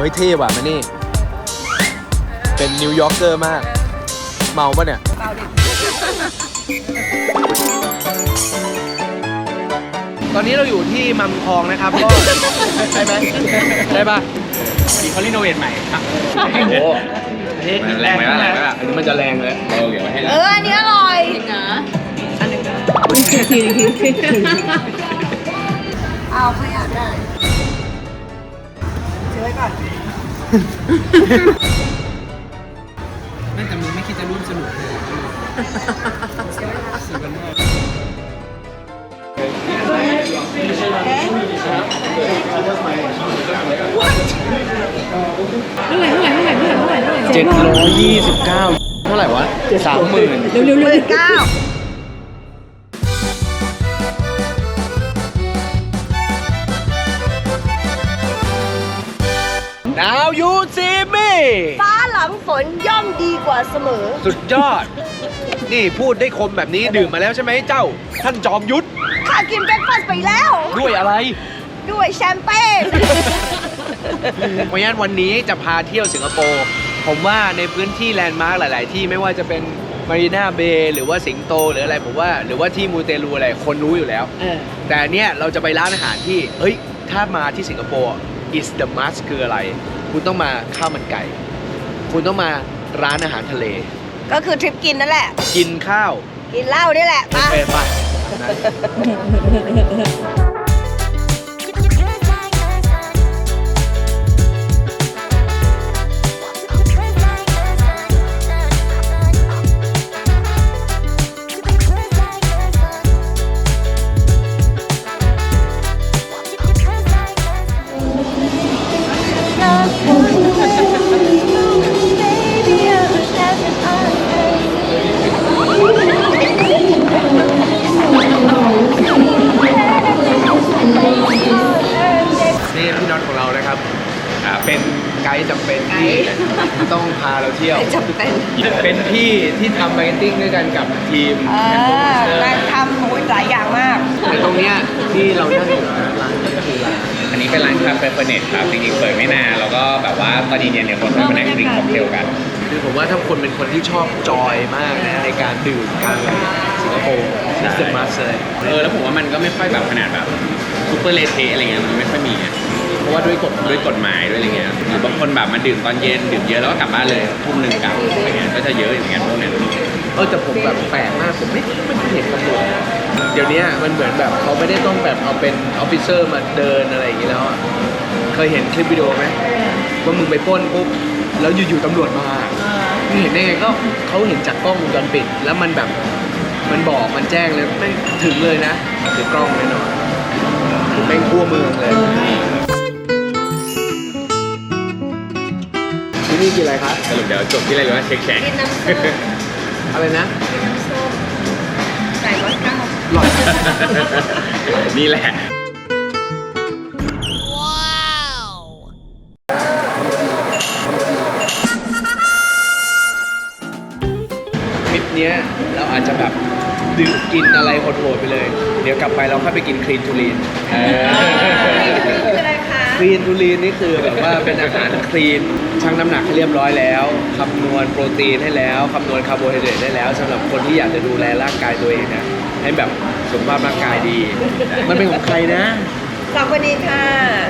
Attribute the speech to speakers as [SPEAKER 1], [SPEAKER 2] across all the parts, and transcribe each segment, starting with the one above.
[SPEAKER 1] ฮ้ยเท่ว่ะมานี่เป็นนิวยอร์กเกอร์มากเมาปะเนี่ยเมาดิตอนนี้เราอยู่ที่มัมคองนะครับก็ใช่ไหมใช่ปะ
[SPEAKER 2] มีเขารีโนเวทใหม่ครับ
[SPEAKER 1] โอ้
[SPEAKER 2] อันนี้แรงไหมล่ะแรงไหมล่ะ
[SPEAKER 1] อันนี้มันจะแรงเลย
[SPEAKER 2] เราเก็บไว้ให้แล้ว
[SPEAKER 3] อันนี้อร่อยนะอันนึงเอาขยะได้ซื้อไว้ก่อน
[SPEAKER 1] นั่นแต่มึงไม่คิดจะร่วมสนุกเลยซื้อกันมาก729เท่าไหร่วะ 30,000
[SPEAKER 3] เร็วๆ9
[SPEAKER 1] ดาวยูซีมี่
[SPEAKER 3] ฟ้าหลังฝนย่อมดีกว่าเสมอ
[SPEAKER 1] สุดยอดนี่พูดได้คมแบบนี้ดื่มมาแล้วใช่ไหมเจ้าท่านจอมยุทธ
[SPEAKER 3] ข้ากินเบรคฟาสต์ไปแล้ว
[SPEAKER 1] ด้วยอะไร
[SPEAKER 3] ด้วยแชมเปญ
[SPEAKER 1] เพราะฉะนั้นวันนี้จะพาเที่ยวสิงคโปร์ผมว่าในพื้นที่แลนด์มาร์คหลายๆที่ไม่ว่าจะเป็นมารีนาเบย์หรือว่าสิงโตหรืออะไรผมว่าหรือว่าที่มูเตลูอะไรคนรู้อยู่แล้วแต่เนี้ยเราจะไปร้านอาหารที่เฮ้ยถ้ามาที่สิงคโปร์ is the must คืออะไรคุณต้องมาข้าวมันไก่คุณต้องมาร้านอาหารทะเล
[SPEAKER 3] ก็คือทริปกินนั่นแหละ
[SPEAKER 1] กินข้าว
[SPEAKER 3] กินเหล้านี่แหละ
[SPEAKER 1] ไปนี่พี่น็อตของเรานะครับเป็นไกด์จำเป็นที่ต้องพาเราเที่ยว
[SPEAKER 3] จำเป็น
[SPEAKER 1] เป็นพี่ที่ทำมาร์เก็ตติ้งด้วยกันกับทีม
[SPEAKER 3] และทำหลายอย่างมาก
[SPEAKER 1] แต่ตรงเนี้ยที่เรานั่งอยู่ร้านนี้ก็คือร้าน
[SPEAKER 2] อันนี้เป็นร้านคาเฟ่เฟอร์เนตครับจริงๆเปิดไม่นานแล้วก็แบบว่าตอนเย็นๆเนี่ยคนมานั่งดื่มค็อกเทลกัน
[SPEAKER 1] คือผมว่าถ้าคนเป็นคนที่ชอบจอยมากนะในการดื่มทางสิงคโปร์นี่สุดมาเลย
[SPEAKER 2] แล้วผมว่ามันก็ไม่ค่อยแบบขนาดแบบซูเปอร์เลเทอะไรเงี้ยมันไม่ค่อยมี
[SPEAKER 1] เพราะว่าด้วยกฎหมาย
[SPEAKER 2] ด้วยอะไรเงี้ยหรือบางคนแบบมาดื่มตอนเย็นดื่มเยอะแล้วก็กลับบ้านเลยทุ่มหนึ่งกลับอะไรเงี้ยก็จะเยอะอย่างเงี้ยพวกนั้น
[SPEAKER 1] แต่ผมแบบแปลกมากผมไม่เห็นตำรวจเดี๋ยวนี้มันเหมือนแบบเขาไม่ได้ต้องแบบเอาเป็นออฟฟิเซอร์มาเดินอะไรอย่างงี้แล้วเคยเห็นคลิปวิดีโอไหมว่ามึงไปปล้นปุ๊บแล้วอยู่ๆตำรวจมามึงเห็นได้ไงก็เขาเห็นจากกล้องวงจรปิดแล้วมันแบบมันบอกมันแจ้งเลยไม่ถึงเลยนะถือกล้องแน่นอนถึงแม่งทั่วเมืองเลยที่นี่กินอะไรครับ
[SPEAKER 2] สรุปเดี๋ยวจบที่อะไรหรือว่าเช็คแขก
[SPEAKER 3] กินน้ำส้ม
[SPEAKER 1] อะไรนะ
[SPEAKER 3] กินน้ำส้มไก่109
[SPEAKER 1] หลอด
[SPEAKER 2] นี่แหละ
[SPEAKER 1] ทริปนี้เราอาจจะแบบดื่มกินอะไรโหดๆไปเลยเดี๋ยวกลับไปเราค่อยไปกินคลีนทูลีนคลีนทูลีนนี่คือแบบว่าเป็นอาหารคลีนชั่งน้ำหนักให้เรียบร้อยแล้วคำนวณโปรตีนให้แล้วคำนวณคาร์โบไฮเดรตได้แล้วสำหรับคนที่อยากจะดูแลร่างกายตัวเองนะให้แบบสุขภาพร่างกายดีมันเป็นของใครนะ
[SPEAKER 3] 2 คนนี้ค่ะ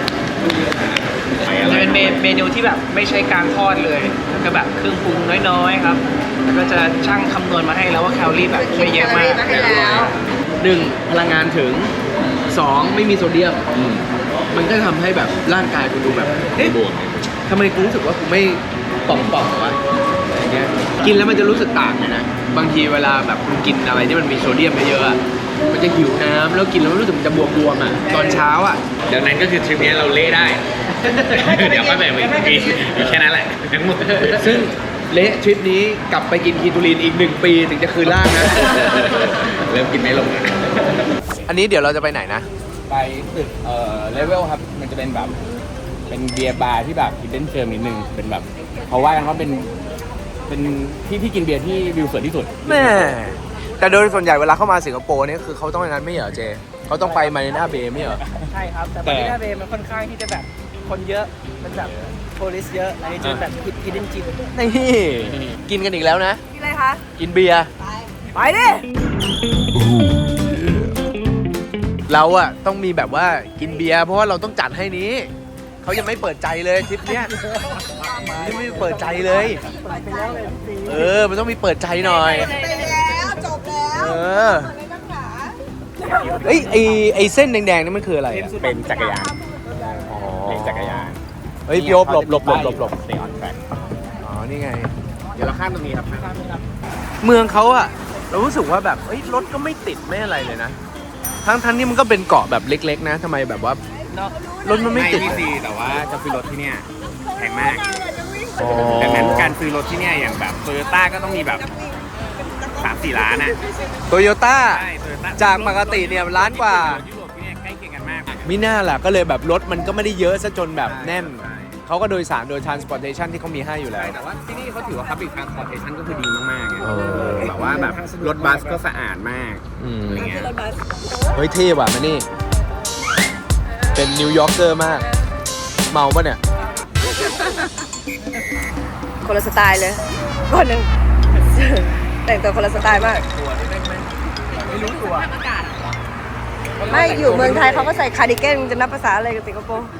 [SPEAKER 4] จะเป็นเมนูที่แบบไม่ใช่การทอดเลยแล้วก็แบบเครื่องปรุงน้อยๆครับแล้วก็จะชั่งคำนวณมาให้แล้วว่าแคลอรี่แบบไม่เยอะมาก
[SPEAKER 1] 1พลังงานถึง2ไม่มีโซเดียมมันก็ทำให้แบบร่างกายกูดูแบบ
[SPEAKER 2] บวก
[SPEAKER 1] ทำไมกูรู้สึกว่ากูไม่ป่องๆวะอะไรเงี้ยกินแล้วมันจะรู้สึกต่างเลยนะบางทีเวลาแบบคุณกินอะไรที่มันมีโซเดียมเยอะๆมันจะหิวน้ำแล้วกินแล้วรู้สึกมันจะบวมๆตอนเช้า
[SPEAKER 2] ดังนั้นก็คือทริปนี้เราเละได้เดี๋ยวก็แบ่งไปอีกทีแค่นั้นแหละทั้งหมด
[SPEAKER 1] ซึ่งเละทริปนี้กลับไปกินคีโตลีนอีก1 ปีถึงจะคืนร่างนะ
[SPEAKER 2] เริ่มกินไม่ลง
[SPEAKER 1] อันนี้เดี๋ยวเราจะไปไหนนะ
[SPEAKER 2] ไปตึกเลเวลครับมันจะเป็นแบบเป็นเบียร์บาร์ที่แบบฮิดเด้นเจมนิดนึงเป็นแบบเขาว่ากันว่าเป็นที่กินเบียร์ที่วิวสวยที่สุด
[SPEAKER 1] แม่แต่โดยส่วนใหญ่เวลาเข้ามาสิงคโปร์เนี่ยคือเขาต้องอย่างนั้นไม่เหรอเจเขาต้องไปมารีนาเบย์ไม่เหรอ
[SPEAKER 4] ใช่ครับแต่มารีนาเบย์มันค่อนข้างที่จะแบบคคนเยอะมันแบบโพลิสเยอะอันนี้จะแบบฮิดเด้นจิม
[SPEAKER 1] นี่กินกันอีกแล้วนะ
[SPEAKER 3] กินอะไรคะ
[SPEAKER 1] กินเบียร์
[SPEAKER 3] ไปดิ
[SPEAKER 1] เราอะต้องมีแบบว่ากินเบียร์เพราะว่าเราต้องจัดให้นี้เขายังไม่เปิดใจเลยทริปเนี้ยยังไม่เปิดใจเลยมันต้องมีเปิดใจหน่อย
[SPEAKER 3] ไปแล้วจบแล้วอะไรนักหนา
[SPEAKER 1] เอ้ยไอเส้นแดงๆนี่มันคืออะไรอะ
[SPEAKER 2] เป็นจักรยานเลนจักรยาน
[SPEAKER 1] เฮ้ยพี่โอ๊บหลบ
[SPEAKER 2] Stay on track
[SPEAKER 1] อ๋อนี่ไง
[SPEAKER 2] เดี๋ยวเราข้ามตรงนี้ครับข้าม
[SPEAKER 1] เมืองเขาอะเรารู้สึกว่าแบบเอ้ยรถก็ไม่ติดไม่อะไรเลยนะทั้งนี้มันก็เป็นเกาะแบบเล็กๆนะทำไมแบบว่ารถมันไม่ติด
[SPEAKER 2] ไม่ดีแต่ว่าจะซื้อรถที่เนี่ยแพงมาก
[SPEAKER 1] อ๋อ
[SPEAKER 2] ดังนั้นการซื้อรถที่เนี่ยอย่างแบบโตโยต้าก็ต้องมีแบบ 3-4 ล้านอ่ะ
[SPEAKER 1] โตโยต้า
[SPEAKER 2] ใช่โตโยต้า
[SPEAKER 1] จากปกติเนี่ยล้านกว่า
[SPEAKER 2] ยุโรปที่เนี่ยใกล้เคียงกันมาก
[SPEAKER 1] มิน่าแหละก็เลยแบบรถมันก็ไม่ได้เยอะซะจนแบบแน่น เขาก็โดยสารโดย transportation ที่เขามีให้อยู่แล้ว
[SPEAKER 2] ใช่แต่ว่าที่นี่เขาถือว่า public transportation ก็คือดีมากๆไง
[SPEAKER 1] เออ
[SPEAKER 2] แบบว่าแบบรถบัสก็สะอาดมาก
[SPEAKER 1] อืม
[SPEAKER 2] อะไรเงี้ย
[SPEAKER 1] เฮ้ยเท่ว่ะมานี่ เป็นนิวยอร์กเกอร์มาก เมาปะเนี่ย
[SPEAKER 3] คนละสไตล์เลยคนหนึ่งแต่งตัวคนละสไตล์มาก ไม่อยู่เมืองไทยเขาก็ใส่คาร์ดิแกนจะนับภาษาอะไรกับสิงคโปร์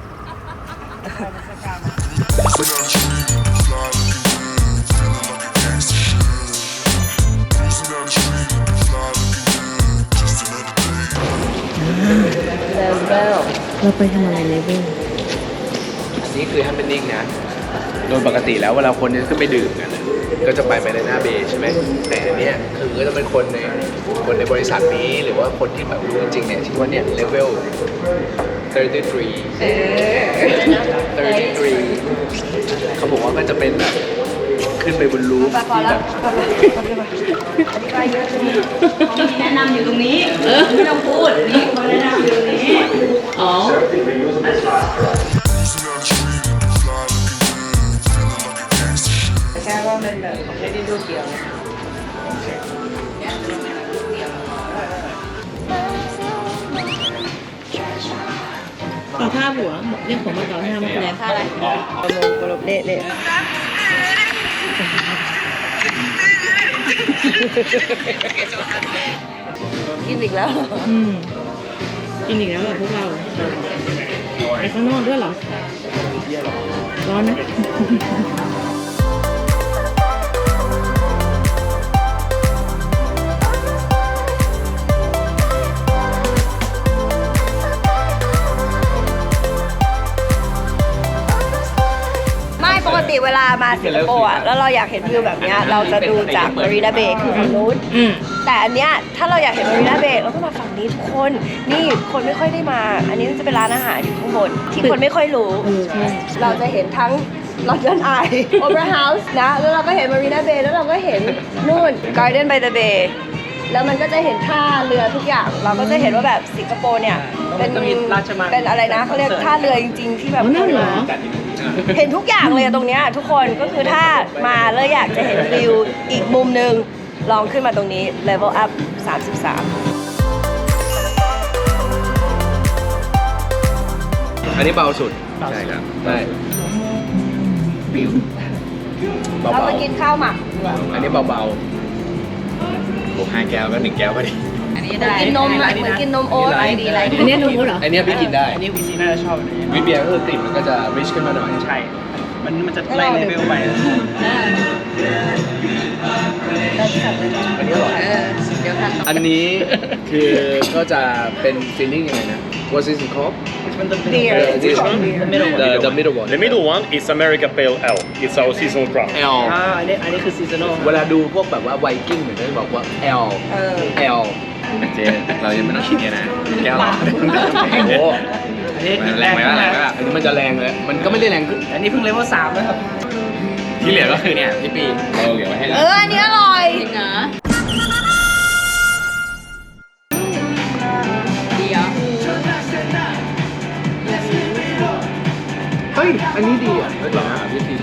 [SPEAKER 5] เราไปทำอะไรเลเวล
[SPEAKER 1] อันนี้คือ happening นะ โดยปกติแล้วเวลาคนจะขึ้นไปดื่มกันนะก็จะไปในหน้าเบย์ใช่ไหม แต่อันเนี้ยคือก็จะเป็นคนในบริษัทนี้หรือว่าคนที่แบบรู้จริงๆเนี่ยที่ว่าเนี่ยเลเวล33เขาบอกว่าก็จะเป็นแบบขึ้นไปบนรูฟที่แบบ
[SPEAKER 5] แนะนำอยู่ตรงนี้ ไม่ต้องพูด นี่เขาแนะนำอยู่ตรงนี้ อ๋อ
[SPEAKER 3] แค่ว่ามันแบบไม่ได้ดูเกี่ยว
[SPEAKER 5] ต่อท่าหัว เรียกผมมาต่อท่ามาแสดงท่าอะไร
[SPEAKER 3] กระโดดเละเละกินอีกแล้ว
[SPEAKER 5] กินอีกแล้วเหรอพวกเราไปข้างนอกด้วยเหรอ ร้อนนะ
[SPEAKER 3] ไม่ปกติเวลามาสิงคโปร์อะแล้วเราอยากเห็นวิวแบบเนี้ยเราจะดูจากมารีนาเบย์คือฝั่งนู้น แต่อันเนี้ยถ้าเราอยากเห็นมารีนาเบย์เราก็มาฝั่งนี้ทุกคน นี่คนไม่ค่อยได้มา อันนี้จะเป็นร้านอาหารอยู่ข้างบน ที่คนไม่ค่อยรู้ เราจะเห็นทั้ง London Eye Opera House นะ แล้วเราก็เห็น Marina Bay แล้วเราก็เห็นนู่น Garden by the Bay แล้วมันก็จะเห็นท่าเรือทุกอย่าง เราก็จะเห็นว่าแบบสิงคโปร์เนี่ย เป็นอะไรนะเขาเรียกท่าเรือจริงๆ ที่แบบ
[SPEAKER 5] อ๋อนั่นเหรอ
[SPEAKER 3] เห็นทุกอย่างเลยอะตรงเนี้ยทุกคนก็คือถ้ามาแล้วอยากจะเห็นวิวอีกมุมหนึ่งลองขึ้นมาตรงนี้ Level Up 33
[SPEAKER 1] อันนี้เบาสุด ใช่ครับใช่เบา
[SPEAKER 3] เรามากินข้าวหมัก
[SPEAKER 1] ๆอันนี้เบา
[SPEAKER 2] บวก5 แก้วก็ 1 แก้วพอดี
[SPEAKER 5] อันนี้ได้
[SPEAKER 3] กินนมอะเหมือนกินนมโอ๊ตอะไรดีอะไร
[SPEAKER 5] อันนี้นมวุ้นเหรอ
[SPEAKER 1] ๆอันนี้พี่กินได้
[SPEAKER 4] อันนี้วีซีน่าจะชอบอันนี้
[SPEAKER 1] วิเบียร์ก็คือกลิ่นมันก็จะริชขึ้นมาหน่อย
[SPEAKER 4] ใช่ มันจะไล่เลเวลไป
[SPEAKER 1] อันนี้อร่อย
[SPEAKER 5] เดี๋ยวค่ะ
[SPEAKER 1] อันนี้คือก็จะเป็นฟีลลิ่งยังไงนะ What's this called?
[SPEAKER 4] มันจะเป็น
[SPEAKER 3] Beer.
[SPEAKER 1] This one? The middle one.
[SPEAKER 6] The middle one is America Pale Ale. It's our seasonal craft.
[SPEAKER 1] L
[SPEAKER 4] อันนี้คือซีซันอล
[SPEAKER 1] เวลาดูพวกแบบว่าไวกิ้งเหมือนจะบอกว่า L L
[SPEAKER 2] เจเรายังไม่ต้องคิดเนี่ยนะ แก้วหรอ
[SPEAKER 1] โอ้โห
[SPEAKER 4] อันนี้
[SPEAKER 2] แรงไหมล่ะแรงไหมล่ะ
[SPEAKER 1] อันนี้มันจะแรงเลย มันก็ไม่ได้แรงขึ้น
[SPEAKER 4] อันนี้เพิ่งเลเวล3นะครับ
[SPEAKER 2] ที่เหลือก็คือเนี่ยพี่ปีเราเหลือไว้ให้แล้ว
[SPEAKER 3] อันนี้อร่อย
[SPEAKER 5] จริงเหรอดีเหรอ
[SPEAKER 1] เฮ้ย อันนี้ดีอ่ะเฮ้ยวิธี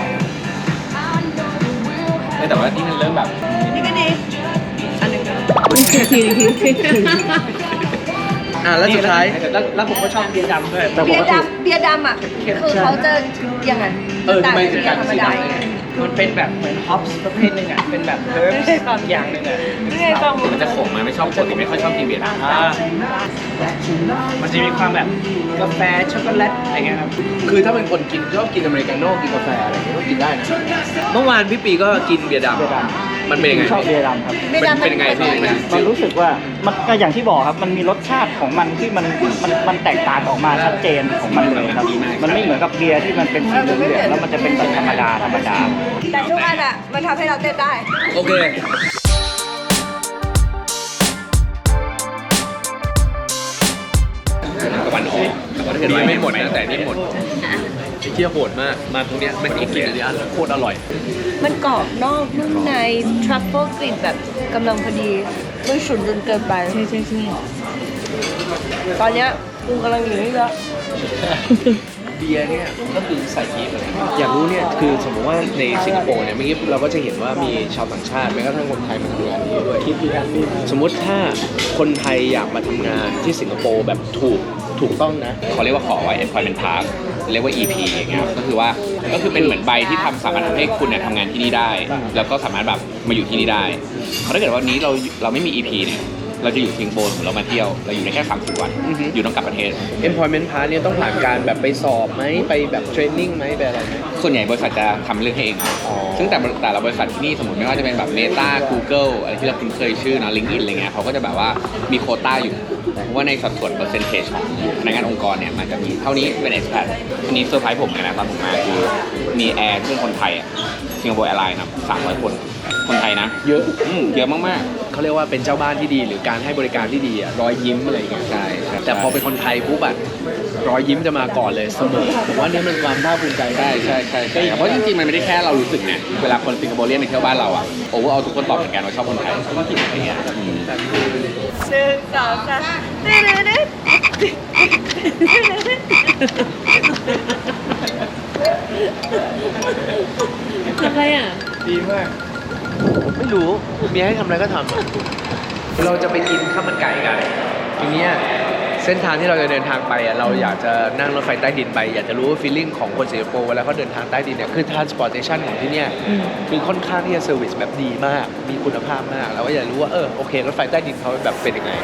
[SPEAKER 2] แต่ว่านี่มันเริ่มแบบ
[SPEAKER 3] นี่ก็ดี อันหนึ่งก็
[SPEAKER 5] ที
[SPEAKER 1] แล้วสุดท้าย
[SPEAKER 4] แล้วผมก็ชอบเบียร์ดำด้วย
[SPEAKER 1] แต่ป
[SPEAKER 3] เบีย
[SPEAKER 1] ก
[SPEAKER 3] ร์
[SPEAKER 1] ติ
[SPEAKER 3] ดำเบียร์ดำอ่ะคือเขาจะยังไง
[SPEAKER 1] ทำไมถึง
[SPEAKER 3] เบี
[SPEAKER 1] กั
[SPEAKER 3] ย
[SPEAKER 1] น
[SPEAKER 3] ร์ธรรม
[SPEAKER 1] สี
[SPEAKER 3] ดา
[SPEAKER 1] ดำเนี่ย
[SPEAKER 4] มันเป็นแบบเหมือนฮอปส์ประเภทหนึ่งอ่ะ เป็นแบบเฮิร์บอย่างหนึ่งอ่ะ
[SPEAKER 3] นี่ไงฟัง
[SPEAKER 2] มันจะขมมาไม่ชอบปกติไม่ค่อยชอบกินเบียร์นะ
[SPEAKER 4] มันจะมีความแบบกาแฟช็อกโกแลตอะไรเงี้ยครับ
[SPEAKER 1] คือถ้าเป็นคนกินชอบกินอเมริกาโน่กินกาแฟอะไรอย่างเงี้ยก็กินได้นะเมื่อวานพี่ปีก็กินเบียร์ดำมันเป็นยังไง
[SPEAKER 7] ชอบเบียร์ดำครับ
[SPEAKER 3] เบียร์ดำ
[SPEAKER 1] เป็นยังไงพี่
[SPEAKER 7] มันรู้สึกว่ามันก็อย่างที่บอกครับ มันมีรสชาติของมันที่มันแตกต่างออกมาชัดเจนของมันเลยครับ มันไม่เหมือนกับเบียร์ที่มันเป็นสีเหลืองๆแล้วมันจะเป็นแบบธรรมดา
[SPEAKER 3] แต่ทุกอันอ่ะมันทำให้เราเต้นได้
[SPEAKER 1] โอเคตะวันออกเห็นไหมไม่หมดนะแต่นี่หมดเที่ยวโหดมากมาตรงเนี้ยไม่ต้องกินเลยอันโคตรอร่อย
[SPEAKER 3] มันกรอบนอกนุ่มในทรัฟเฟิลกลิ่นแบบกำลังพอดีไม่ฉุนจนเกินไป
[SPEAKER 5] ใช่ใช่ใช่
[SPEAKER 3] ตอนเนี้ยกูกำลังอยู่นี่แล้ว
[SPEAKER 1] เบียร์เนี่ยก็คือใส่ยีสต์อะไรอยากรู้เนี่ยคือสมมติว่าในสิงคโปร์เนี่ยเมื่อกี้เราก็จะเห็นว่ามีชาวต่างชาติแม้กระทั่งคนไทยมาทำงานที่นี่ด้วยสมมติถ้าคนไทยอยากมาทำงานที่สิงคโปร์แบบถูกต้องนะ
[SPEAKER 2] เขาเรียกว่าขอไว้ employment pass เรียกว่า EP อย่างเงี้ยครับก็คือเป็นเหมือนใบที่สามารถทำให้คุณเนี่ยทำงานที่นี่ได้ แล้วก็สามารถแบบมาอยู่ที่นี่ได้เพราะถ้าเกิดว่าวันนี้เราไม่มี EP เนี่ยเราจะอยู่สิงคโปร์เรามาเที่ยวเราอยู่ในแค่30 วันอยู่ต้องกลับประเทศ
[SPEAKER 1] employment pass เนี่ยต้องผ่านการแบบไปสอบไหมไปแบบเทรนนิ่งไหมไปอะไรไหม
[SPEAKER 2] ส่วนใหญ่บริษัทจะทำเรื่องให้เองครับซึ่งแต่ละบริษัทที่นี่สมมติไม่ว่าจะเป็นแบบ Meta Google อะไรที่เราคุ้นเคยชื่อนะ LinkedIn อะไรเงี้ยเขาก็จะแบบว่ามีโควต้าอยู่เพราะว่าในสัดส่วน percentage ของพนักงานองค์กรเนี่ยมันจะมีเท่านี้เป็น expat ทีนี้เซอร์ไพรส์ผมเลยนะตอนผมมาคือมีแอร์ที่เป็นคนไทยสิงคโปร์แอร์ไลน์นะ300 คนไทยนะเยอะเยอะมากๆ
[SPEAKER 1] เขาเรียกว่าเป็นเจ้าบ้านที่ดีหรือการให้บริการที่ดีอะรอยยิ้มอะไรอย่างเงี้ย
[SPEAKER 2] ใช่ใช่
[SPEAKER 1] แต่พอเป็นคนไทยปุ๊บอะรอยยิ้มจะมาก่อนเลยเสมอผมว่านี่มันความภาคภูมิใจได้
[SPEAKER 2] ใช่เพราะจริงๆมันไม่ได้แค่เรารู้สึกไงเวลาคนสิงคโปร์เรียนไปเที่ยวบ้านเราอะโอเวอร์เอาทุกคนตอบเหมือนกันว่าชอบคนไทยอะไรเงี้ย
[SPEAKER 3] 1 2 3
[SPEAKER 5] อะไรอ่ะ
[SPEAKER 1] ดีมาก ไม่รู้มีให้ทำอะไรก็ทำอะเราจะไปกินข้าวมันไก่กันทีเนี้ยเส้นทางที่เราจะเดินทางไปอะเราอยากจะนั่งรถไฟใต้ดินไปอยากจะรู้ว่าฟีลลิ่งของคนสิงคโปร์เวลาเขาเดินทางใต้ดินเนี่ยคือ transportation ของที่เนี่ยคือค่อนข้างที่จะเซอร์วิสแบบดีมากมีคุณภาพมากเราก็อยากรู้ว่าโอเครถไฟใต้ดินเขาแบบเป็นยังไง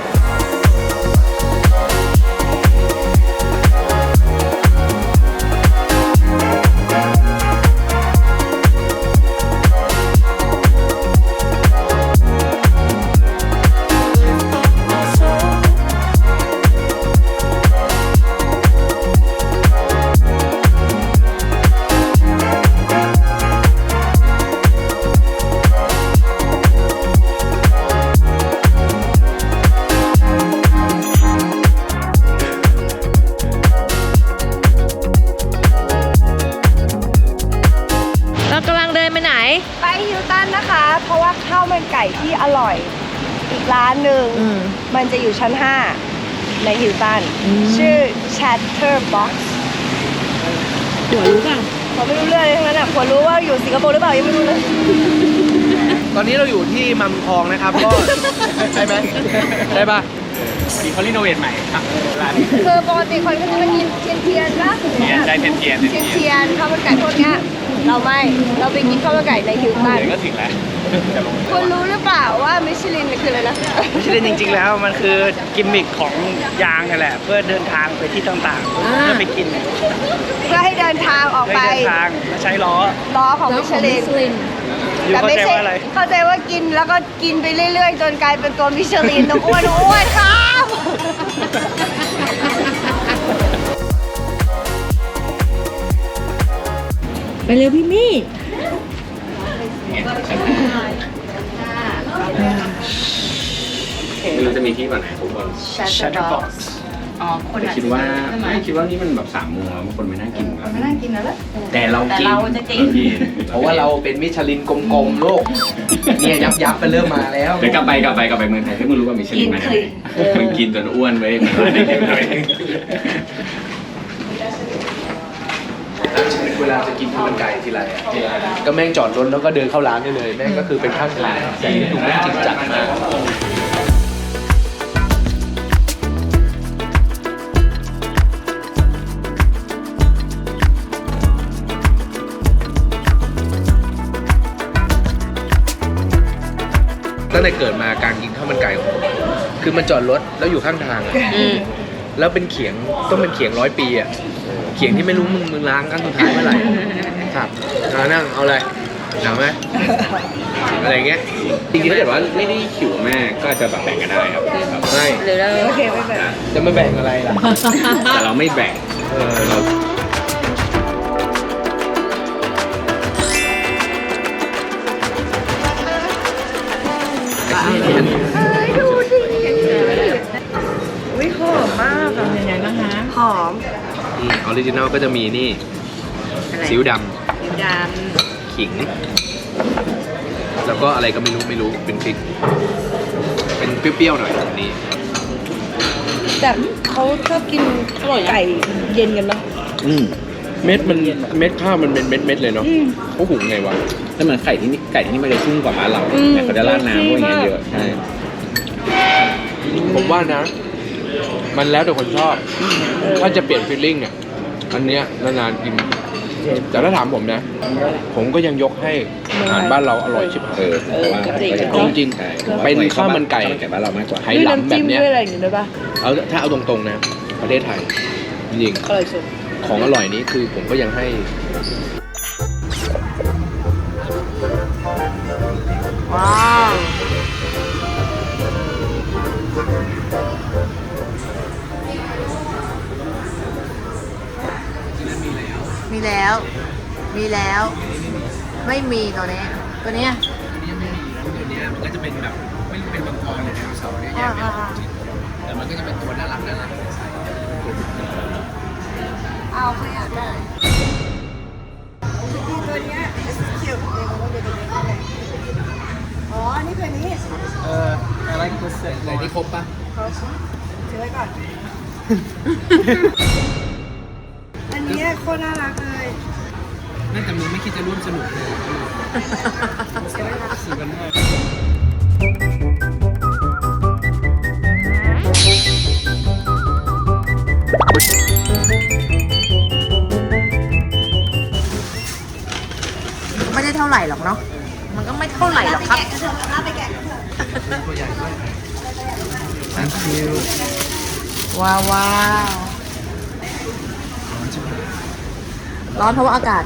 [SPEAKER 5] เรากำลังเดินไปไหน
[SPEAKER 3] ไปฮิลตันนะคะ เพราะว่าข้าวมันไก่ที่อร่อยอีกร้านหนึ่งมันจะอยู่ชั้น 5 ในฮิลตันชื่อ Chatterbox
[SPEAKER 5] หัวรู้ป่ะ
[SPEAKER 3] เขาไม่รู้เรื่องเลยทั้งนั้นอ่ะควรรู้ว่าอยู่สิงคโปร์หรือเปล่ายังไม่รู้เลย
[SPEAKER 1] ตอนนี้เราอยู่ที่มัมคองนะครับก็ ใช่ไหมใช่ปะ
[SPEAKER 4] มีเขารีโนเวทใหม่ครับร้าน
[SPEAKER 3] คือปกติคนก็จะมากินเทียนๆปะ
[SPEAKER 4] ได้เทียน
[SPEAKER 3] เทียนข้าวมันไก่พวกเนี้ยเราไม่เราไปกินข้าวมันไก่ในฮิลตัน
[SPEAKER 4] เดี๋ยวก็ถึงแล้วจะลง
[SPEAKER 3] คุณรู้หรือเปล่าว่ามิชลินคืออะไรนะ
[SPEAKER 4] ไม่ใช่เล่นจริงๆแล้วมันคือกิมมิคของยางนี่แหละ เพื่อเดินทางไปที่ต่างๆ เพื่อไปกิน
[SPEAKER 3] เพื่อให้เดินทางออก
[SPEAKER 4] เพื่อ
[SPEAKER 3] ไป
[SPEAKER 4] เดินทางแล้วใช้ล้อ
[SPEAKER 3] ล้อของมิชลิน
[SPEAKER 4] อยู่เข้าใจว่าอะไร
[SPEAKER 3] เข้าใจว่ากินแล้วก็กินไปเรื่อยๆ จนกลายเป็นตัวมิชลินต้องอ้วนๆครับ
[SPEAKER 5] ไปเร็วพี่มี่
[SPEAKER 2] ไม่รู้จะมีที่ก่อนไหนทุกคน
[SPEAKER 4] Chatterbox
[SPEAKER 2] แต่คิดว่านี่มันแบบ3 โมงแล้วบางคนไม่น่ากินแล้ว
[SPEAKER 3] ไม่น่ากินแล้วล่ะ
[SPEAKER 2] แต่เรากิน
[SPEAKER 1] เพราะว่าเราเป็นมิชลินกลมๆโลกเนี่ยยับไปเริ่มมาแล้ว
[SPEAKER 2] เดี๋ยวกลับไปเมืองไทยให้มึงรู้ว่ามิชลินมาจากไหนมึงกินจนอ้วนไว้ยมันร้านเด็กๆหน่อย
[SPEAKER 1] ชีวิตเวลาจะกินข้าวมันไก่ทีไรอะก็แม่งจอดรถแล้วก็เดินเข้าร้านได้เลยแม่งก็คือเป็นข้างทางแต่นี่ดูแม่งจริงจังมากตั้งแต่เกิดมาการกินข้าวมันไก่ของผมคือมันจอดรถแล้วอยู่ข้างทางอะแล้วเป็นเขียงต้องเป็นเขียง100 ปีอ่ะเขียงที่ไม่รู้มึงล้างครั้งสุดท้ายเมื่อไหร่ครับนั่งเอาอะไรหนาวไหมอะไรเงี้ย
[SPEAKER 2] จริงๆถ้าเกิดว่าไม่ได้หิวมากก็อาจจะแบบแบ่งกันได้ครับ
[SPEAKER 1] ไม่
[SPEAKER 5] หรือเรา
[SPEAKER 3] โอเคไม่เป็นไร
[SPEAKER 1] จะมาแบ่งอะไรล่ะ
[SPEAKER 2] แต่เราไม่แบ่งเรา
[SPEAKER 3] ดูดิวิหอมมากอะ
[SPEAKER 5] เป็นยังไงบ้างคะ
[SPEAKER 3] หอม
[SPEAKER 1] ออริจินัลก็จะมีนี่
[SPEAKER 5] อะไร
[SPEAKER 1] ซีอิ๊วด
[SPEAKER 5] ด
[SPEAKER 1] ำขิง แล้วก็อะไรก็ไม่รู้เป็นพริกเป็นเปรี้ยวๆหน่อยอันนี้
[SPEAKER 3] แต่เขาชอบกินไก่เย็นกันเนาะ
[SPEAKER 1] เม็ดข้าวมันเป็นเม็ดเลยเนาะเขาหุงไงวะ
[SPEAKER 2] แต่เหมือนไก่ที่นี่มันจะชุ่มกว่าบ้านเราแต่เขาจะราดน้ำพวกอย่างเงี้ยเยอะใช่
[SPEAKER 1] ผมว่านะ มันแล้วแต่คนชอบ ถ้าจะเปลี่ยนฟีลลิ่งเนี่ยอันเนี้ยนานๆกิน แต่ถ้าถามผมนะ ผมก็ยังยกให้อาหารบ้านเราอร่อยชิบหาย
[SPEAKER 2] แต่ว่า
[SPEAKER 1] จริงๆ
[SPEAKER 2] ใช่
[SPEAKER 1] เป็นข้าวมันไก่
[SPEAKER 2] ข้าวมันไก่บ้านเรามากกว่า
[SPEAKER 1] ไห
[SPEAKER 3] ด้วย
[SPEAKER 1] หลำ
[SPEAKER 3] น้ำ
[SPEAKER 1] แบ
[SPEAKER 3] จิ้
[SPEAKER 1] บ
[SPEAKER 3] ม
[SPEAKER 1] เนี้ย
[SPEAKER 3] ด้วยอะไรอย่างงี้ด้วยป่ะ
[SPEAKER 1] ถ้าเอาตรงๆนะ ประเทศไทย จริง
[SPEAKER 3] อร่อยสุด
[SPEAKER 1] ๆ ของอร่อยนี้คือผมก็ยังให้
[SPEAKER 3] ว้าว
[SPEAKER 5] มีแล้ว มีแล้ว ไม่มีตัวนี้ ตัวเนี้ย
[SPEAKER 1] มันก็จะเป็นแบบไม่เป็นมังกรเลยนะเสาเนี่ยแยกไม่ออกจริงแต่มันก็จะเป็นตัวน่ารัก
[SPEAKER 3] เอาไม่อยากได้ตัวเนี้ยเขียวอ๋อ นี่คือนี้
[SPEAKER 1] อะไรที่ครบปะ
[SPEAKER 3] ถือไว้ก่อน อันนี้โคตรน่ารักเลย
[SPEAKER 1] นั่นแต่มึงไม่คิดจะร่วมสนุกเลยซื้อกันได้
[SPEAKER 5] ไม่ได้เท่าไหร่หรอกเนาะ มันก็ไม่เท่าไหร่หรอกครับ
[SPEAKER 1] Thank you
[SPEAKER 5] ว้าวว้าว ร้อนเพราะว่าอากาศ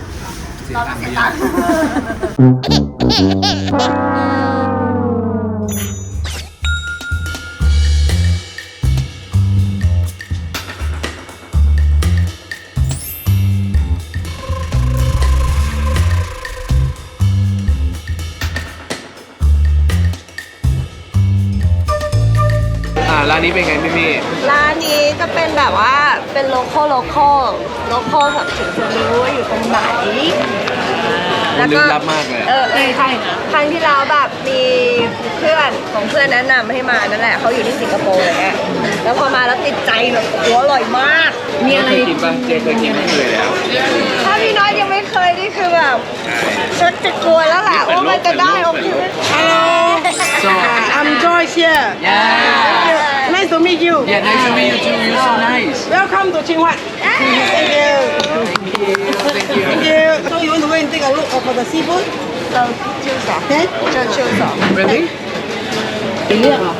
[SPEAKER 1] ร้านนี้เป็นไงพี่มี่
[SPEAKER 3] ร้านนี้จะเป็นแบบว่าเป็นโลคอลแบบถึงจะรู้ว่าอยู่ตรงไหน
[SPEAKER 1] ลึกลับมากเลย
[SPEAKER 3] ใช่นะครั้งที่แล้วแบบมีเพื่อนของเพื่อนแนะนำให้มานั่นแหละเขาอยู่ที่สิงคโปร์อะไรเงี้ยแล้วพอมาแล้วติดใจแบบโอ้อร่อยมาก
[SPEAKER 5] มีอะไร
[SPEAKER 1] เคยกินป่ะเจ๊เคยกินไม่เคยแล้ว
[SPEAKER 3] ถ้าพี่น้อยยังไม่เคยนี่คือแบบชักจะกลัวแล้วแหละว่ามันจะได้โอเคไหม
[SPEAKER 1] So
[SPEAKER 8] I'm Joyce here.
[SPEAKER 3] Yeah.
[SPEAKER 8] Nice to meet you.
[SPEAKER 1] yeah nice to meet you too you're so nice
[SPEAKER 8] Welcome to Qinghua. Thank you. Thank you. So you want to go and take a look for the seafood?
[SPEAKER 3] So choose off.
[SPEAKER 8] Okay.
[SPEAKER 3] Choose off.
[SPEAKER 1] really
[SPEAKER 5] ไปเลือกเหรอ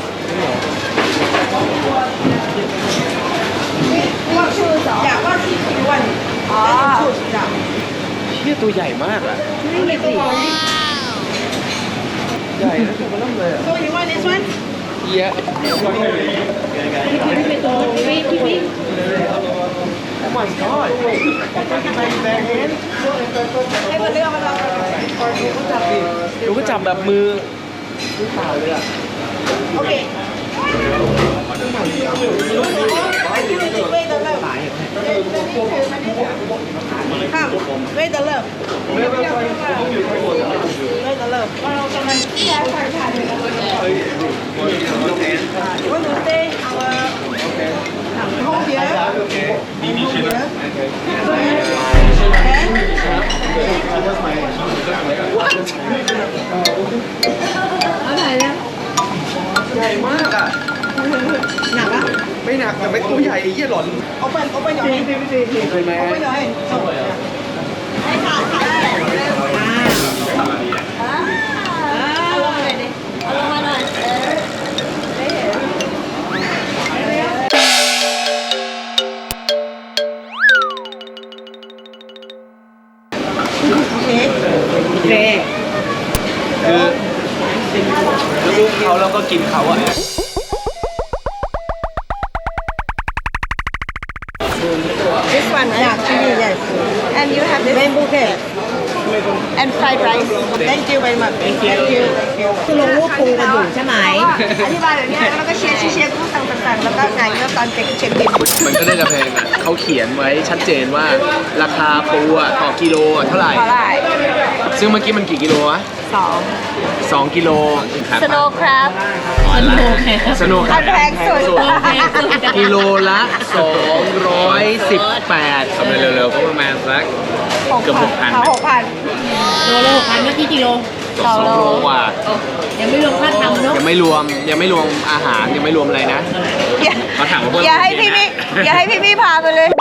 [SPEAKER 3] Choose off.
[SPEAKER 8] Yeah, what seafood you want?
[SPEAKER 3] Ah.
[SPEAKER 8] Choose. Yeah.
[SPEAKER 1] เชี่ยตัวใหญ่มากอ่ะใหญ่นะตัวมันเริ่มเลยอ่ะ
[SPEAKER 8] So you want this one?
[SPEAKER 1] เยอะ Oh my god
[SPEAKER 3] ให้มาเลือกมาลองกัน
[SPEAKER 1] ดูก็จับแบบมือเปล่าเลยอ่ะ
[SPEAKER 8] Okay. Wait the love. Come. Wait the love. Wait the love. You want to stay our home here? What?
[SPEAKER 1] ใหญ่มากอ่ะ
[SPEAKER 8] หนักอ่ะ
[SPEAKER 1] ไม่หนักแต่ไม่ตัวใหญ่ไอ้เหี้ยหล่อน
[SPEAKER 8] Open your hand.
[SPEAKER 1] เคยไหม
[SPEAKER 8] Open your hand. So,
[SPEAKER 3] เอาลงมาหน่อยดิเอาลงมาหน่อย
[SPEAKER 5] โอเค
[SPEAKER 1] คือลูกเขาแล้วก็กินเขาอะ
[SPEAKER 3] This one
[SPEAKER 8] Yeah, chili, yes.
[SPEAKER 3] and you have this
[SPEAKER 8] Rainbow cake.
[SPEAKER 3] and fried rice
[SPEAKER 8] Thank you very much. Thank you. Thank you.
[SPEAKER 5] คือลงรูปปูกันอยู่ใช่ไหม
[SPEAKER 3] อธิบายแบบนี้แล้วก็เชียร์กู้ต่างๆแล้วก็งานก็ตอนเช็คบิน
[SPEAKER 1] มันก็ได้จะแพงอะเขาเขียนไว้ชัดเจนว่าราคาปูอะต่อกิโลอะเท่าไหร่
[SPEAKER 3] เท่าไหร่
[SPEAKER 1] ซึ่งเมื่อกี้มันกี่กิโลวะ
[SPEAKER 3] 2
[SPEAKER 1] 2 กิโล
[SPEAKER 3] Snow crab
[SPEAKER 5] โอเค
[SPEAKER 1] สนุก
[SPEAKER 3] อันแพงสุด
[SPEAKER 1] กิโลละ 218
[SPEAKER 2] ทำเร็วๆก็ประมาณสัก เกือบ6,000
[SPEAKER 3] 6,000
[SPEAKER 5] โลละ6,000เมื่อกี้กิโล
[SPEAKER 3] 2 โล
[SPEAKER 1] กว่า
[SPEAKER 5] ยังไม่รวมค่าทำเนาะ
[SPEAKER 1] ยังไม่รวมอาหารยังไม่รวมอะไรนะ
[SPEAKER 2] เขาถามว่าเพิ่ม
[SPEAKER 3] อย่าให้พี่พี่พาไปเลย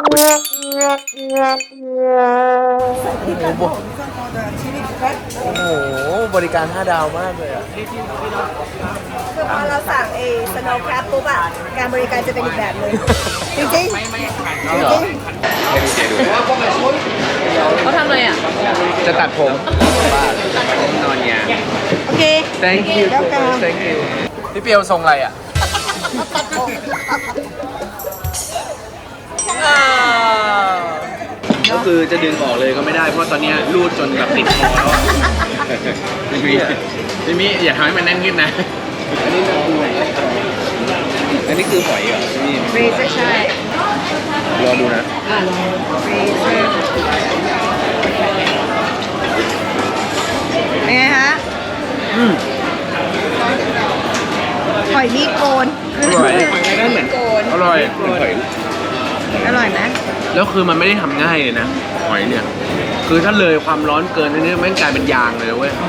[SPEAKER 1] โอ้โห บริการ 5 ดาวมากเลยอ่ะ
[SPEAKER 3] คือพอเราสั่งsnow crab ปุ๊บอะการบริการจะเป็นอีกแบบเลยจริงๆจริง
[SPEAKER 2] ให้ดูเจดู
[SPEAKER 5] เขาทำอะไรอ่ะ
[SPEAKER 1] จะตัดผม
[SPEAKER 2] นอนยา
[SPEAKER 3] โอเค
[SPEAKER 1] thank you thank you พี่เปียวทรงอะไรอ่ะ ก็คือจะดึงออกเลยก็ไม่ได้เพราะตอนเนี้ยรูดจนแบบติดคอแล้วอะ
[SPEAKER 2] พี่มิอย่าทำให้มันแน่นขึ้นนะ อันนี้คือหอยเหรอพี่มิ
[SPEAKER 3] freezer ใช่
[SPEAKER 2] รอดูนะ
[SPEAKER 3] freezer เป็นไงฮะหอยมีดโกน
[SPEAKER 1] อร่อย
[SPEAKER 3] หอยมีดโกน
[SPEAKER 1] อร่อย
[SPEAKER 2] หอย
[SPEAKER 3] อร่อยไหม
[SPEAKER 1] แล้วคือมันไม่ได้ทำง่ายเลยนะหอยเนี่ย คือถ้าเลยความร้อนเกินนี่แม่งกลายเป็นยางเลยเว้ย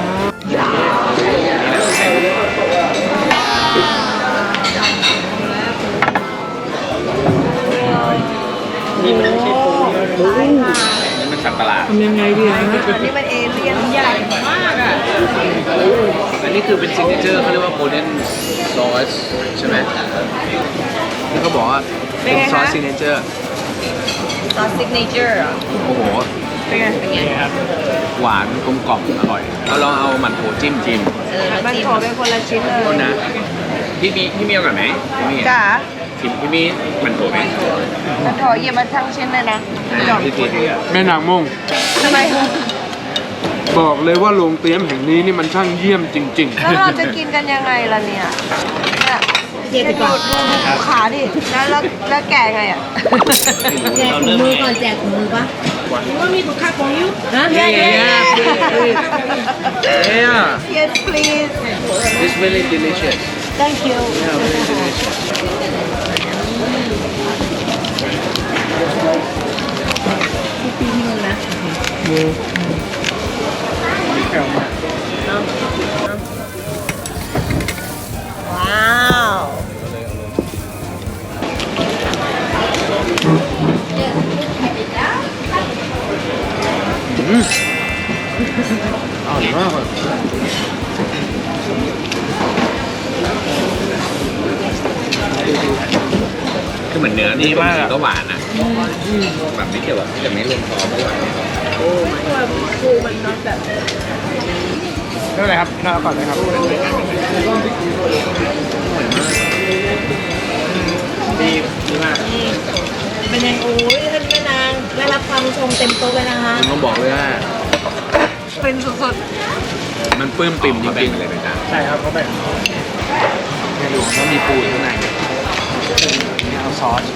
[SPEAKER 2] นี่มันไม่ใช่ปูนี่มันสัตว์ประหลาด
[SPEAKER 5] ทำยังไงดีอ่ะ
[SPEAKER 3] อันนี้มันเอเลี่ยนใหญ่มากอ่ะ
[SPEAKER 1] อันนี้คือเป็นซิกเนเจอร์เขาเรียกว่าโกลเด้นซอสใช่ไหมที่เขาบอกว่าเป็นซอสซิกเนเจอร์
[SPEAKER 3] ซอสซิกเนเจอร์อ่ะ
[SPEAKER 1] โอ้โห
[SPEAKER 3] เป็นไง
[SPEAKER 1] หวานกลมกล่อมอร่อยเราลองเอาหมั่นโถจิ้ม
[SPEAKER 3] มันโถเป็นคนละชิ้นเลย
[SPEAKER 1] โทษนะ
[SPEAKER 2] พี่มีเอาก่อนไหมพี่มี
[SPEAKER 3] จ๋า
[SPEAKER 2] พี่มีมันโถไหม
[SPEAKER 3] มันโถหยิบมาทั้งชิ้นเลยนะจบ
[SPEAKER 2] พี่ตี
[SPEAKER 1] แม่นางมง
[SPEAKER 3] ทำไม
[SPEAKER 1] บอกเลยว่าโรงเตรียมแห่งนี้นี่มันช่างเยี่ยมจริง
[SPEAKER 3] แล้วเราจะกินกันยังไงล่ะเนี่ยเนี่ย
[SPEAKER 5] เจ็บไปก่อน
[SPEAKER 3] ดูขาดิแล้วแกะไงอ่ะ
[SPEAKER 5] แจกถุงมือก่อนแจกถุงมือปะว่ามีถุงค่าของยุฮะ
[SPEAKER 3] Yeah, yeah,
[SPEAKER 1] yeah.
[SPEAKER 3] Yes please
[SPEAKER 1] It's really delicious
[SPEAKER 3] Thank you
[SPEAKER 1] Yeah very delicious
[SPEAKER 5] ปีมือนะ
[SPEAKER 3] ว้าว
[SPEAKER 1] อร่อยมากเลย
[SPEAKER 2] คือเหมือนเนื้อนี่ก็หวานนะแบบไม่เกี่ยวกับที่จะไม่รวมซอสก็หวาน
[SPEAKER 1] ไม่เป็นไรครับน่าก่อนเลยครับดีมาก
[SPEAKER 5] เป็นยังโอ้ยท่านแม่นางได้รับความชมเต็มโต๊ะเลยนะคะ
[SPEAKER 1] ผมต้องบอกเลยว่า
[SPEAKER 3] เป็นสุด
[SPEAKER 1] มันปลื้มปิ่มจริงๆ
[SPEAKER 2] เลยนะจ๊ะ
[SPEAKER 1] ใช่ครับเขาแบ่งในหลวงก็มีปูอยู่ข้างในนี่เอาซอส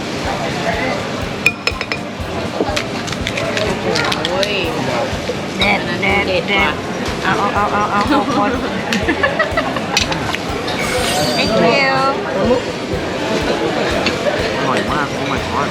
[SPEAKER 5] โอ้ย
[SPEAKER 3] ๆแดดเอาคน Thank you
[SPEAKER 1] อร่อยมากโอ้ my god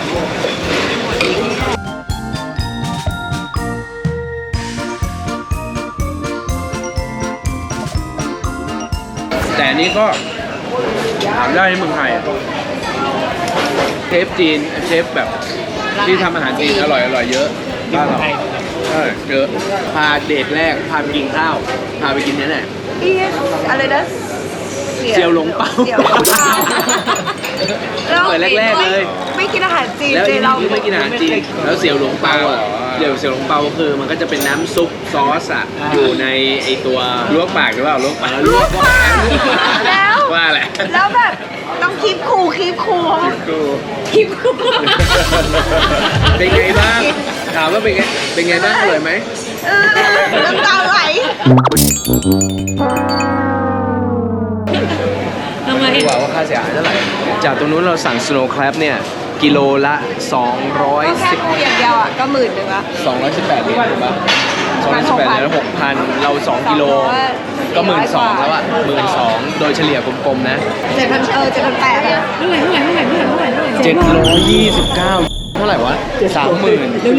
[SPEAKER 1] แต่อันนี้ก็ถามได้ในเมืองไทยอะเชฟจีนเชฟแบบที่ทำอาหารจีนอร่อยเยอะบ้านเราใช่เยอะพาเดทแรกพาไปกินข้าวพาไปกินเนี่ยแหละ
[SPEAKER 3] Yes อะไรนะ
[SPEAKER 1] เสี่ยวหลงเปา
[SPEAKER 3] เสี่ยวหลงเปา
[SPEAKER 1] เปิดแรกๆเลย
[SPEAKER 3] ไม่กินอาหารจีน
[SPEAKER 1] แล้ว
[SPEAKER 3] เจ
[SPEAKER 1] อีก
[SPEAKER 3] เรา
[SPEAKER 1] คือไม่กินอาหารจีนแล้วเสี่ยวหลงเปาอ่ะเสี่ยวหลงเปาคือมันก็จะเป็นน้ำซุปซอสอ่ะอยู่ในไอตัวลวกปากหรือเปล่าลวกปาก
[SPEAKER 3] ลวกปากแล้ว
[SPEAKER 1] ว่าแหละ
[SPEAKER 3] แล้วแบบต้องคีบคูล
[SPEAKER 1] กู
[SPEAKER 3] คีบคูล
[SPEAKER 1] เป็นไงบ้างถามว่าเป็นไงบ้างอร่อยไหม
[SPEAKER 3] น้ำตาไหล
[SPEAKER 5] ทำไม
[SPEAKER 1] ดีกว่าค่าเสียหายเท่าไหร่จากตรงนู้นเราสั่ง Snow Crab เนี่ยกิโลละ
[SPEAKER 3] ก็แค่คูอย่างเดียวอ่ะก็10,000ละ
[SPEAKER 1] 218เหรียญถูกปะ218เหรียญแล้ว6,000เรา2กิโลก็12,000แล้วอ่ะ12,000โดยเฉลี่ยกลมๆนะ
[SPEAKER 3] 7,800อ่ะ
[SPEAKER 5] เท่าไหร่
[SPEAKER 1] 729เท่าไหร่วะ 30,000
[SPEAKER 5] เร็ว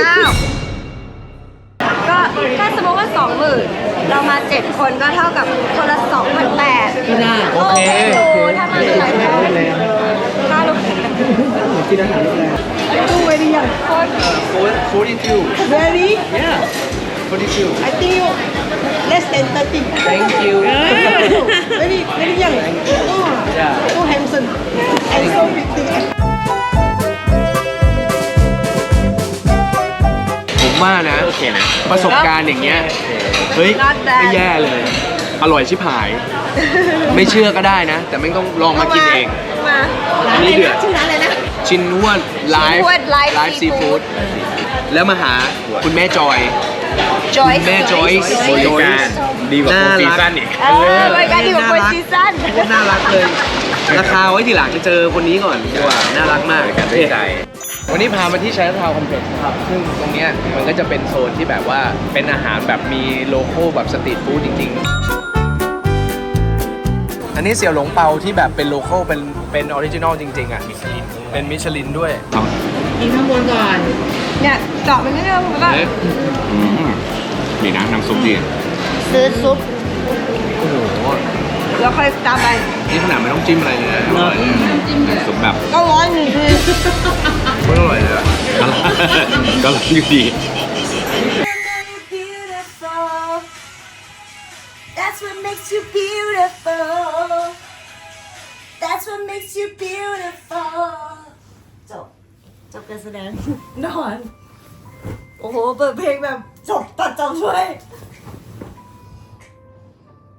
[SPEAKER 3] ก็ถ้าสมมติว่า 20,000เรามา7คนก็เท่ากับคนละ2,800
[SPEAKER 5] ก็ได้
[SPEAKER 1] โอเค
[SPEAKER 3] ถ้ามาหลายคนถ้าเรา
[SPEAKER 1] กินอาหารโรงแรม
[SPEAKER 8] Too very young.
[SPEAKER 1] 42
[SPEAKER 8] Very?
[SPEAKER 1] yeah 42
[SPEAKER 8] I think you less than 30.
[SPEAKER 1] thank you
[SPEAKER 8] Very, very young. Oh,
[SPEAKER 1] Yeah.
[SPEAKER 8] so handsome. And so pretty.
[SPEAKER 1] ผมว่านะ
[SPEAKER 2] โอเคนะ
[SPEAKER 1] ประสบการณ์อย่างเงี้ย เฮ้ย ไม่แย่เลย อร่อยชิบหาย ไม่เชื่อก็ได้นะ แต่ไม่ต้องลองมากินเอง
[SPEAKER 3] มา
[SPEAKER 1] อันนี้เดือด
[SPEAKER 3] ชื่อร้านอะไรนะ
[SPEAKER 1] ชินนวดไล
[SPEAKER 3] ชินนวด Live
[SPEAKER 1] ซีฟู้ด แล้วมาหาคุณแม่จอย
[SPEAKER 3] Joyce
[SPEAKER 1] คุณแม่จอย
[SPEAKER 2] บริการดีกว่าโฟร์ซีซั่นอีก
[SPEAKER 3] รายการดีกว่าคนซีซั่น
[SPEAKER 1] โคตรน่ารักเลย ราคาไว้ทีหลังจะเจอคนนี้ก่อนดีกว่า น่ารักมาก
[SPEAKER 2] บริการด้วยใจ
[SPEAKER 1] วันนี้พามาที่ Chinatown Complex นะครับ ซึ่งตรงเนี้ยมันก็จะเป็นโซนที่แบบว่าเป็นอาหารแบบมีโลโก้แบบสตรีทฟู้ดจริงๆ อันนี้เสี่ยวหลงเปาที่แบบเป็นโลโก้เป็นออริจินอลจริงๆอ่ะ เป็นมิชลินด้วย
[SPEAKER 5] กินข้างบนก่อน
[SPEAKER 3] เนี่ยเจาะมันนิดนึงแล้วก็
[SPEAKER 2] นี่นะน้ำซุปดี
[SPEAKER 3] ซื้อซุป
[SPEAKER 1] โอ้โห
[SPEAKER 3] แล้วค่อยตามไป
[SPEAKER 1] นี่ขนาดไม่ต้องจิ้มอะไรเลยนะอร่อยเลย
[SPEAKER 2] น้ำซุปแบบ
[SPEAKER 3] ก็ร้อนอยู่ดี
[SPEAKER 1] โคตรอร่อยเลยอะ
[SPEAKER 2] ก็ร้อนอยู่ดี
[SPEAKER 9] That's what makes you beautiful. That's what makes you beautiful. จบการแสดงนอน โอ้โห เปิดเพลงแบบจบตัดจบช่วย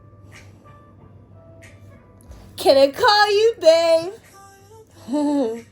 [SPEAKER 9] Can I call you babe?